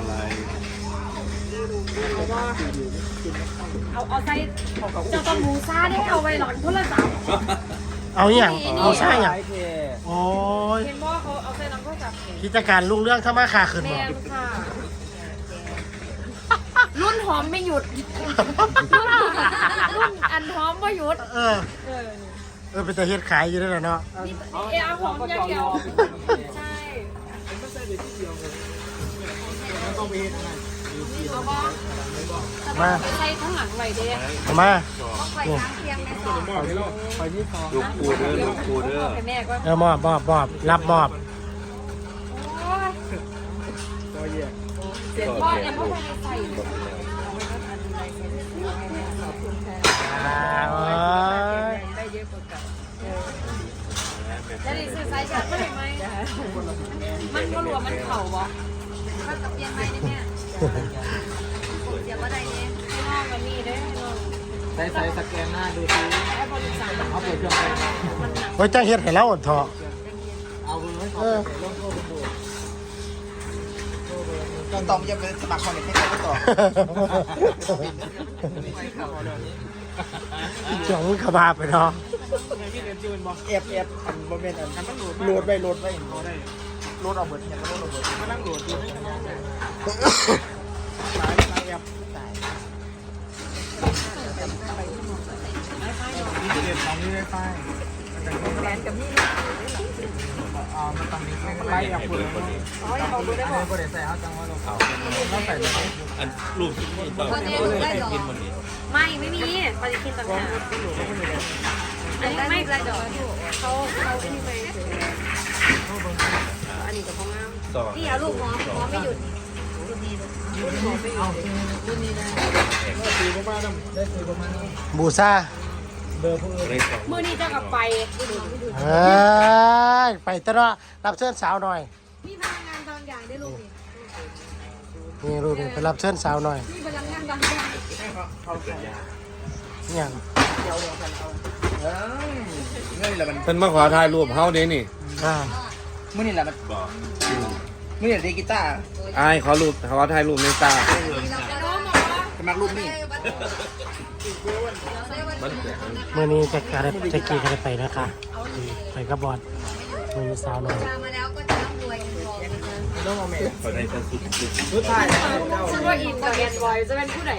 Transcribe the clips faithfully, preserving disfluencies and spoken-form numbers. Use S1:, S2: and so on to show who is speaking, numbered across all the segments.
S1: อะไร
S2: เอาเอาใส่เจ้าต้องมูซ่าได้เอาไว้หลังโทรศัพท์
S3: เอาอย่างเอาใช่อย่างโอ้ย
S2: เห็นว่าเขาเอาใส่หลังโทรศัพท์
S3: กิจการลุงเรื่องถ้ามาขาขึ้น
S2: แม่
S3: บ่
S2: ค่ะรุ่นหอมไม่หยุดรุ่นอันหอมไม่หยุด
S3: เออเออเป็นแต่เฮ็ดขายอยู่ด้วยเนาะ
S2: นี่เออหอมอย่างเดียวใช่เอาบ้างมาใส่ข้างหลังไว้เด้
S3: เอามา
S2: ใส่ข้างเคียงแม่ต่อ
S1: ลูกปูเด้อลูกปูเด้อ
S2: ให้แม่ก็
S3: เออมอบมอบมอบรับมอบ
S2: เสียงพ่อเนี่ยพ่อไม่ได้ใส่
S3: อ่าโอ้ย
S2: ได้เยอะกว่าเก่าจะได้ซื้อไซส์ชัดไม่ได้ไหมมันก็รวมมันเข่าบ่ถ้ากับเปลี่ยนไหมเนี่ยเดี๋ยวว่าได้เนี่ยให้น้องกับนี่ได้ให้น้อง
S4: ใส่ใส่สแกนหน้าดูซิ
S2: ให้บริษัท
S4: เอาเปิดเครื่องไป
S2: มันหนัก
S3: โอ้ยจ้าเฮ็ดให้เราอดเถาะ
S4: เอาเบอร์ให้เขาไปลงโทษไปดู
S5: ตอมยังเป็นสมัครคอนเนคให้เขาต่อ
S3: จ่องมึงขบาไปเนาะ
S5: เอฟเอฟอันโมเมนต์อันโหลดไปโหลดไปโหลดเอาเบิร์ดเนี่ยก็โหลดเอาเบิร์ดมานั่งโหลดอยู่ในนั้นเลยสายสายแอปสายนี่เด็ดของนี่ได้ไฟแฟนกับนี่อ่ามันต้องมีมันไล่อัพเลยอ๋อเอาเบอร์ได้บอกเบอร์ได้ใส่เอาจังว่าเราเขาเราใส่ได้ไหม
S1: อันรูปที่นี่ต้องกินมันนี่
S2: ไม่ไม่มีปฏิทินต่างหากอันนี้ไม่ไรดอกเขาเขาที่ไปอันนี้กับพ่องาม
S1: ต่อ
S2: นี่เอาลูกหอมหอมไม่หยุดรุ่นนี้รุ่นหอมไม่หยุดรุ่นนี้นะ
S5: ตีประมาณนั้นได้ตีประมาณนั้น
S3: บูซา
S5: เบอร์ผู้อื่น
S1: เลยสอง
S2: มือนี้จะกลับไปรุ่นหอมไม่หยุด
S3: เอ้ยไปตะเนาะรับเชิญสาวหน่อย
S2: มีพลังงานบางอย่างได้ลูกนี่
S3: นี่รูปนี่ไปรับเชิญสาวหน่อย
S2: มีพลังงานบางอย่าง
S5: เขาใส่
S3: เนี่ย
S5: เดียวกันเอาเออเงื่อนนี่แหละมัน
S1: เป็นมาขอถ่ายรูปเฮาเด้นี่
S3: อ่า
S5: มื่อนี่แหละมัน
S1: บอก
S5: มื่อนี่ดีกีตาร์
S1: อายขอรูปขอถ่ายรูปในตา
S2: น้องบอกว่า
S5: สมัครรูปนี่
S1: มันแตก
S3: เมื่อนี้จะการจะกี่กันไปนะคะไปกับบอดมือสาวหน่อย
S2: มาแล้วก็จะร่ำรวยกันพอ
S5: ต้องเอาเมย์
S1: ขอได้สักสุดสุด
S5: รู้ถ่ายนะ
S2: ฉันว่าอินกับแอนบอยจะเป็นผู้ไหน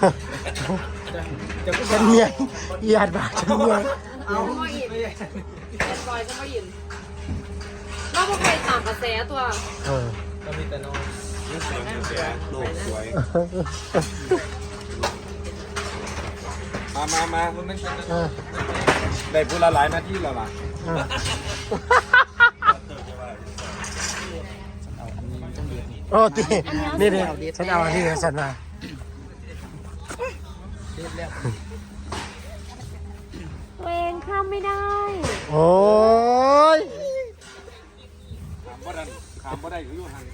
S5: จะพูด
S3: ฉันเมียญาติบ้านฉันเมีย
S2: เอาว่าอินแอนบอยจะว่าอินเราไม่เคยตามกระแสตัว
S3: เออ
S5: ก็มีแต่น้อง
S1: นี่สวยเสียรูปสวยมามามา
S3: เออ
S1: ได้พูดละหลายนาทีแล้วล่ะ
S3: เออโอ้ตีนี่นี่ฉันเอาอันนี้ฉันมา
S2: ตัวเองข้ามไม่ได้
S3: โอ้ย
S1: ขามบ่ได้ขามบ่ได้อยู่ห่าง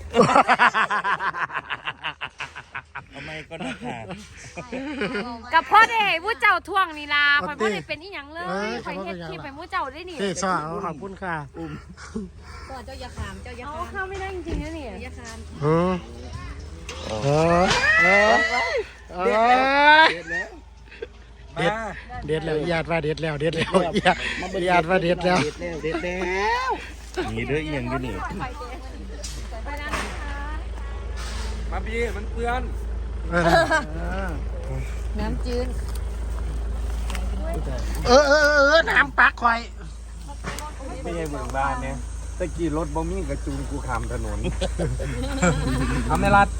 S1: ทำไมก็น่าขาด
S2: กับพ่อเด็กผู้เจ้าท่วงนี่ล่ะคอยพ่อเด็กเป็นอีหยังเลยคอยเฮ็ดที่ไปผู้เจ้าได้นี่
S3: เฮ้ยสาวขอบคุณค่ะ
S2: ก็เจ้าอย่าขามเจ้าอย่าขามข้ามไม่ได้จริงๆนะนี่อย่าขาม
S3: อืมเออเออเออเด็ดเด็ดแล้วญาติว่าเด็ดแล้วเด็ดแล้วญาติญาติว่าเด็ดแล้ว
S5: เด็ดแล้วเด็ดแล้ว
S1: นี่เด้อเอียงอยู่นี่
S2: ไปแล้วนะคะ
S1: มาพี่มันเพื่อน
S3: เออ
S2: น้ำจืด
S3: เออเออเออน้ำปักคอย
S1: ไม่ใช่เมืองบ้านเนี่ยตะกี้รถบ่มีกระจูงกูขามถนนทำในรัด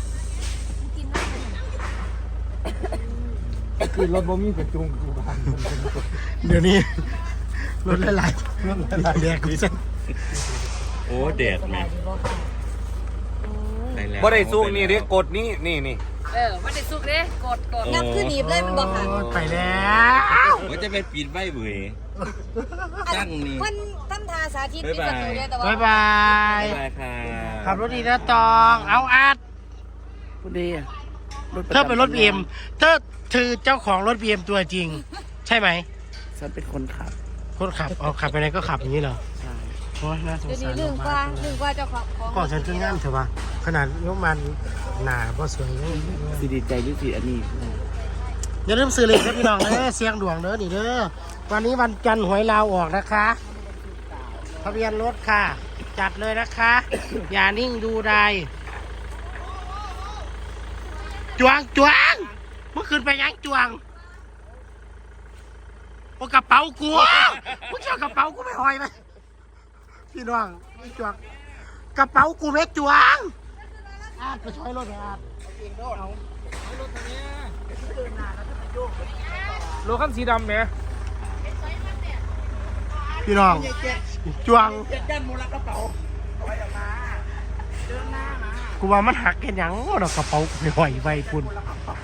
S1: ตะกี้รถบ่มีกระจูงกูขาม
S3: เดี๋ยวนี้รถหลายๆรถหลายๆแดกกูจะ
S1: โอ้แดดแม่บ่ได้สู้นี่เด้กดนี่นี่นี่
S2: เออไม่ได้สุกเด้กดกด
S1: นับขึ้นหนีบเลยมันบอกค่ะ
S3: ไปแล้ว
S1: ว่าจะไปปิดใบเบยตั้งนี่
S2: มันตั้งทาสาธิต
S1: บ๊ายบาย
S2: แต่ว่า
S3: บ๊ายบาย
S1: บ๊ายบายค่ะ
S3: ขับรถดีนะตองเอาอัด
S5: พูดดี
S3: เธอเป็นรถบีเอ็มเธอเธอเจ้าของรถบีเอ็มตัวจริง ใช่ไหม
S5: ฉันเป็นคนขับ
S3: คนขับเอาขับไปไหนก็ขับอย่างนี้เหรอ
S5: ใช่
S3: โอ้ยน่าสง
S2: เดี๋ยว
S3: สา
S2: นี้
S3: ร
S2: ลืมว่าลืมว่าเจ้าของ
S3: ก่อนฉันจะงามเถอะวะ
S2: เ
S3: ขนาดยกมันหนาบ่สวยเลย
S5: สิดีใจหรือสิอันนี้
S3: อย่าลืมซื้อเลยครับพี่น้องเด้อเสียงดวงเด้อนี่เด้อวันนี้วันจันทร์หวยลาวออกนะคะทะเบียนรถค่ะ จัดเลยนะคะ อย่านิ่งดูได้จวงจวงเมื่อคืนไปยังจวงโอ้กระเป๋ากูมึงเจ้ากระเป๋ากูไม่หอยไหมพี่น้องไม่จวงกระเป๋ากูไม่จวงอาดไปช่วยรถเลยอาด
S5: โลคันสีดำไหม
S3: พี่น้องจวง
S5: เจ็ดด้านมูลกระเป๋า
S3: กูว่ามันหักกันหยังดอกกระเป๋ากูไม่หอยไว้คุณ
S5: กระเป๋า